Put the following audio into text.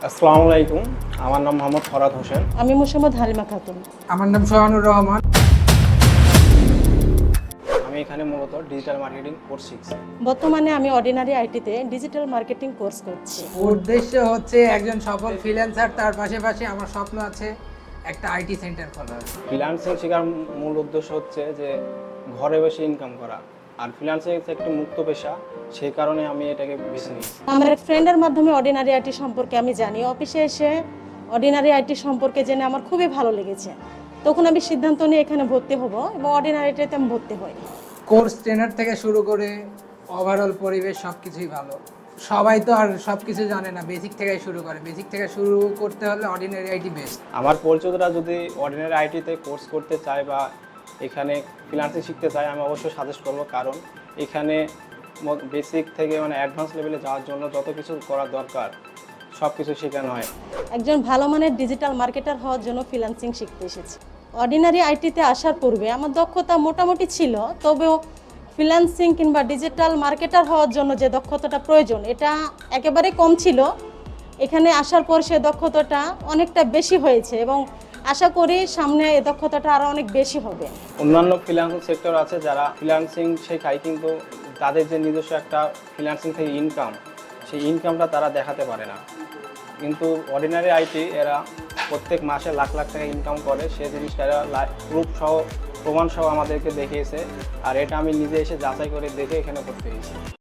আসসালামু আলাইকুম। আমার নাম মোহাম্মদ ফরাদ হোসেন। আমি মোসাম্মদ হালিমা খাতুন। আমার নাম সোহানুর রহমান। আমি এখানে মূলত ডিজিটাল মার্কেটিং কোর্স শিখছি। বর্তমানে আমি অর্ডিনারি আইটিতে ডিজিটাল মার্কেটিং কোর্স করছি। উদ্দেশ্য হচ্ছে একজন সফল ফ্রিল্যান্সার, তার পাশাপাশি আমার স্বপ্ন আছে একটা আইটি সেন্টার খোলার। ফ্রিল্যান্সিং শেখার মূল উদ্দেশ্য হচ্ছে যে ঘরে বসে ইনকাম করা, আর ফ্রিল্যান্সিং একটি মুক্ত পেশা, সেই কারণে আমি এটাকে বেছে নিয়েছি। আমার এক ফ্রেন্ডের মাধ্যমে অর্ডিনারি আইটি সম্পর্কে আমি জানি। অফিসে এসে অর্ডিনারি আইটি সম্পর্কে জেনে আমার খুবই ভালো লেগেছে। তখন আমি সিদ্ধান্ত নিয়ে এখানে ভর্তি হব এবং অর্ডিনারি আইটিতে আমি ভর্তি হই। কোর্স ট্রেনার থেকে শুরু করে ওভারঅল পরিবেশ সবকিছুই ভালো। সবাই তো আর সবকিছু জানে না, বেসিক থেকে শুরু করে। বেসিক থেকে শুরু করতে হলে অর্ডিনারি আইটি বেস্ট। আমার পরিচিতরা যদি অর্ডিনারি আইটিতে কোর্স করতে চায় বা এখানে ফ্রিল্যান্সিং শিখতে চায়, আমি অবশ্যই সাজেস্ট করব, কারণ এখানে বেসিক থেকে অ্যাডভান্স লেভেলে যাওয়ার জন্য যত কিছু করা দরকার সব কিছু শেখানো হয়। একজন ভালো মানের ডিজিটাল মার্কেটার হওয়ার জন্য ফ্রিল্যান্সিং শিখতে এসেছি। অর্ডিনারি আইটিতে আসার পূর্বে আমার দক্ষতা মোটামুটি ছিল, তবেও ফ্রিল্যান্সিং কিংবা ডিজিটাল মার্কেটার হওয়ার জন্য যে দক্ষতাটা প্রয়োজন এটা একেবারে কম ছিল। এখানে আসার পর সে দক্ষতাটা অনেকটা বেশি হয়েছে এবং আশা করি সামনে এই দক্ষতাটা আরও অনেক বেশি হবে। অন্যান্য ফ্রিল্যান্সিং সেক্টর আছে যারা ফ্রিল্যান্সিং শেখায়, কিন্তু তাদের যে নিজস্ব একটা ফ্রিল্যান্সিং থেকে ইনকাম, সেই ইনকামটা তারা দেখাতে পারে না। কিন্তু অর্ডিনারি আইটি এরা প্রত্যেক মাসে লাখ লাখ টাকা ইনকাম করে, সে জিনিসটা এরা প্রুফ সহ প্রমাণ সহ আমাদেরকে দেখিয়েছে, আর এটা আমি নিজে এসে যাচাই করে দেখে এখানে করতে পেরেছি।